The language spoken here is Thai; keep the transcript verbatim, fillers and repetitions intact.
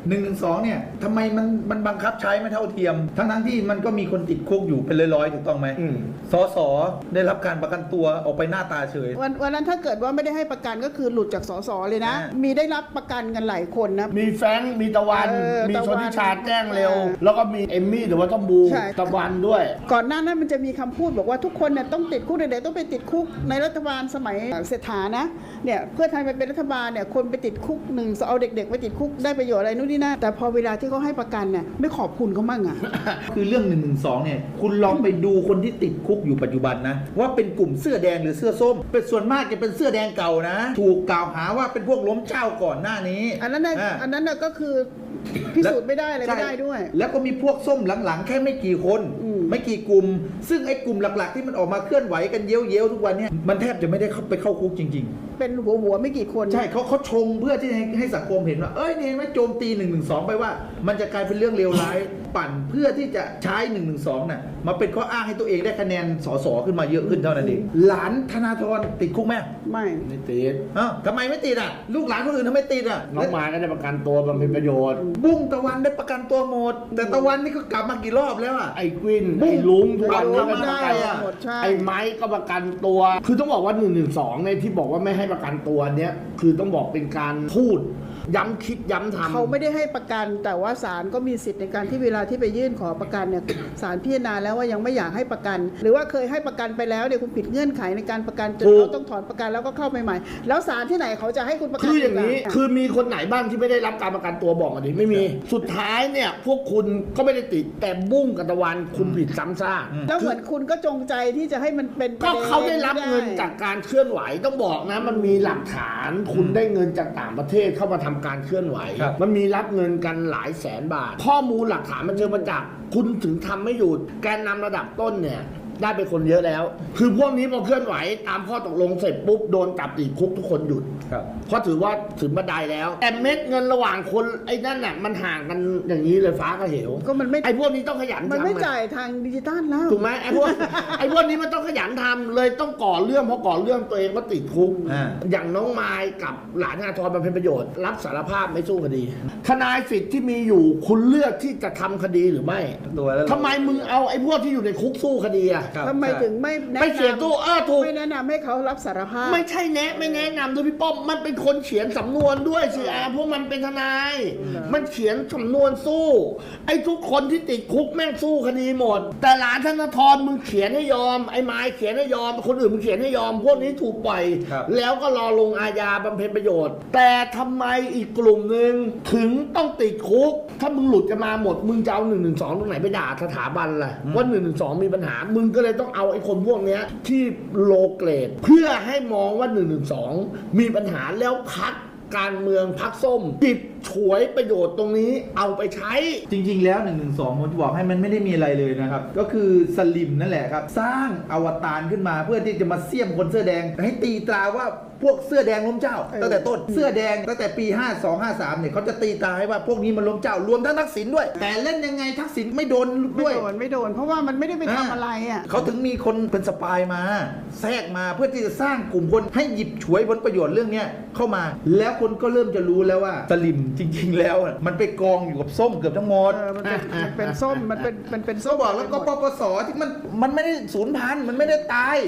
หนึ่งหนึ่งสองเนี่ยทำไมมันมันบังคับใช้ไม่เท่าเทียมทั้งทั้งที่มันก็มีคนติดคุกอยู่เป็นร้อยๆถูกต้องไหมสสได้รับการประกันตัวออกไปหน้าตาเฉยวันวันนั้นถ้าเกิดว่าไม่ได้ให้ประกันก็คือหลุดจากสสเลยนะมีได้รับประกันกันหลายคนนะมีแฟรงค์มีตะวันมีชนทิชาแจ้งเร็วแล้วก็มีเอมมี่หรือว่าต้อมบูตะวันด้วยก่อนหน้านั้นมันจะมีคำพูดบอกว่าทุกคนเนี่ยต้องติดคุกเด็กๆต้องไปติดคุกในรัฐบาลสมัยเศรษฐานะเนี่ยเพื่อไทยไปเป็นรัฐบาลเนี่ยคนไปติดคุกหนึ่งเอาเด็กๆไปติดคุกได้ประโยชน์อะไรนู่นนี่นั่นแต่พอเวลาที่เขาให้ประกันเนี่ยไม่ขอบคุณเขามั่งอ่ะคือเรื่องหนึ่งหนึ่งสองเนี่ยคุณลองไปดูคนที่ติดคุกอยู่ปัจจุบันนะว่าเป็นกลุ่มเสื้อแดงหรือเสื้อส้มเป็นส่วนมากจะเป็นเสื้อแดงเก่านะถูกกล่าวหาว่าเป็นพวกล้มเจ้าก่อนหน้านี้อันนั้นน่ะอันนั้นน่ะก็คือพิสูจน์ไม่ได้อะไรไม่ได้ด้วยแล้วก็มีพวกส้มหลังๆแค่ไม่กี่คนไม่กี่กลุ่มซึ่งไอ้กลุ่มหลักๆที่มันออกมาเคลื่อนไหวกันเย้ยวๆทุกวันนี้มันแทบจะไม่ได้เข้าไปเข้าคุกจริงๆเป็นหัวหัวไม่กี่คนใช่เขาเขาชงเพื่อที่ให้สังคมเห็นว่าเอ้ยนี่ไม่โจมตีหนึ่งหนึ่งสองไปว่ามันจะกลายเป็นเรื่องเลวร้ายปั่นเพื่อที่จะใช้หนึ่งหนึ่งสองน่ะมาเป็นข้ออ้างให้ตัวเองได้คะแนนสสขึ้นมาเยอะขึ้นเท่านั้นเองหลานธนาธรติดคุกไหมไม่ไม่ติดอ้าวทำไมไม่ติดอ่ะลูกหลานคนอื่นทำไมติดอ่ะน้องมาก็ได้ประกันตัวมันเป็นประโยชน์บุ้งตะวันได้ประกันตัวหมดแต่ตะวันนี่ก็กลับมากี่รอบแล้วอ่ะไอ้กวินไอ้ลุงทุกวันนี้ก็ได้อ่ะไอ้ไม้ก็ประกันตัวคือต้องบอกว่าหนึ่งหนึ่งสองในที่บอกว่าไม่ให้ประกันตัวเนี้ยคือต้องบอกเป็นการพูดย้ำคิดย้ำทำเขาไม่ได้ให้ประกันแต่ว่าศาลก็มีสิทธิ์ในการที่เวลาที่ไปยื่นขอประกันเนี่ยศาลพิจารณาแล้วว่ายังไม่อยากให้ประกันหรือว่าเคยให้ประกันไปแล้วเนี่ยคุณผิดเงื่อนไขในการประกันจนเขาต้องถอนประกันแล้วก็เข้าไปใหม่แล้วศาลที่ไหนเขาจะให้คุณประกันคืออย่างนี้คือมีคนไหนบ้างที่ไม่ได้รับการประกันตัวบอกมาดิไม่มีสุดท้ายเนี่ยพวกคุณก็ไม่ได้ติดแต่บุ้งกับตะวันคุณผิดซ้ำซากแล้วเหมือนคุณก็จงใจที่จะให้มันเป็นก็เขาได้รับเงินจากการเคลื่อนไหวต้องบอกนะมันมีหลักฐานคุณได้เงินจากต่างประเทศเข้ามาทำการเคลื่อนไหวมันมีรับเงินกันหลายแสนบาทข้อมูลหลักฐานมันเจอมาจากคุณถึงทำไม่หยุดแกนนำระดับต้นเนี่ยได้ไปคนเยอะแล้วคือพวกนี้พอเคลื่อนไหวตามข้อตกลงเสร็จปุ๊บโดนจับติดคุกทุกคนหยุดเพราะถือว่าถึงบันไดแล้วแต่เม็ดเงินระหว่างคนไอ้นั่นน่ะมันห่างกันอย่างนี้เลยฟ้ากับเหวก็มันไม่ไอ้พวกนี้ต้องขยันมันไม่จ่ายทางดิจิตอลแล้วถูกไหมไอ้พวกไอ้พวกนี้มันต้องขยันทำเลยต้องก่อเรื่องเพราะก่อเรื่องตัวเองก็ติดคุกอย่างน้องไม้กับหลานธนาธรบำเพ็ญประโยชน์รับสารภาพไม่สู้คดีทนายสิทธิ์ที่มีอยู่คุณเลือกที่จะทำคดีหรือไม่ทำไมมึงเอาไอ้พวกที่อยู่ในคุกสู้คดีอะทำไมถึงไม่ไม่เสียตู้เออถูกไม่แนะนำให้เขารับสารภาพไม่ใช่แนะไม่แนะนำด้วยพี่ป้อมมันเป็นคนเขียนสำนวนด้วยสิอาเพราะมันเป็นทนายมันเขียนสำนวนสู้ไอ้ทุกคนที่ติดคุกแม่งสู้คดีหมดแต่หลานธนาธรมึงเขียนให้ยอมไอ้ไม้เขียนให้ยอมคนอื่นมึงเขียนให้ยอมพวกนี้ถูกปล่อยแล้วก็รอลงอาญาบำเพ็ญประโยชน์แต่ทำไมอีกกลุ่มหนึ่งถึงต้องติดคุกถ้ามึงหลุดกันมาหมดมึงจะเอาหนึ่งหนึ่งสองตรงไหนไปด่าสถาบันล่ะว่าหนึ่งหนึ่งสองมีปัญหามึงก็เลยต้องเอาไอ้คนพวกนี้ที่โลเกรดเพื่อให้มองว่าหนึ่งหนึ่งสองมีปัญหาแล้วพักการเมืองพักส้มจิบฉวยประโยชน์ตรงนี้เอาไปใช้จริงๆแล้วหนึ่งหนึ่งสองผมจะบอกให้มันไม่ได้มีอะไรเลยนะครับก็คือสลิมนั่นแหละครับสร้างอวตารขึ้นมาเพื่อที่จะมาเสี่ยมคนเสื้อแดงให้ตีตราว่าพวกเสื้อแดงล้มเจ้าตั้งแต่ต้นเสื้อแดงตั้งแต่ปีห้าสอง ห้าสามเนี่ยเขาจะตีตราให้ว่าพวกนี้มันล้มเจ้ารวมทั้งทักษิณด้วยแต่เล่นยังไงทักษิณไม่โดนด้วยไม่โดนไม่โดนเพราะว่ามันไม่ได้ไปทำอะไรอ่ะเขาถึงมีคนเป็นสปายมาแทรกมาเพื่อที่จะสร้างกลุ่มคนให้หยิบฉวยผลประโยชน์เรื่องนี้เข้ามาแล้วคนก็เริ่มจะรู้แล้วว่าสลิมจริงๆแล้วมันไปกองอยู่กับส้มเกือบทั้งหมดมันเป็นส้มมันเป็นมันเป็นส้มบอกแล้วก็ปปสที่มันมันไม่ได้สูญพันธุ์มันไม่ได้ตาย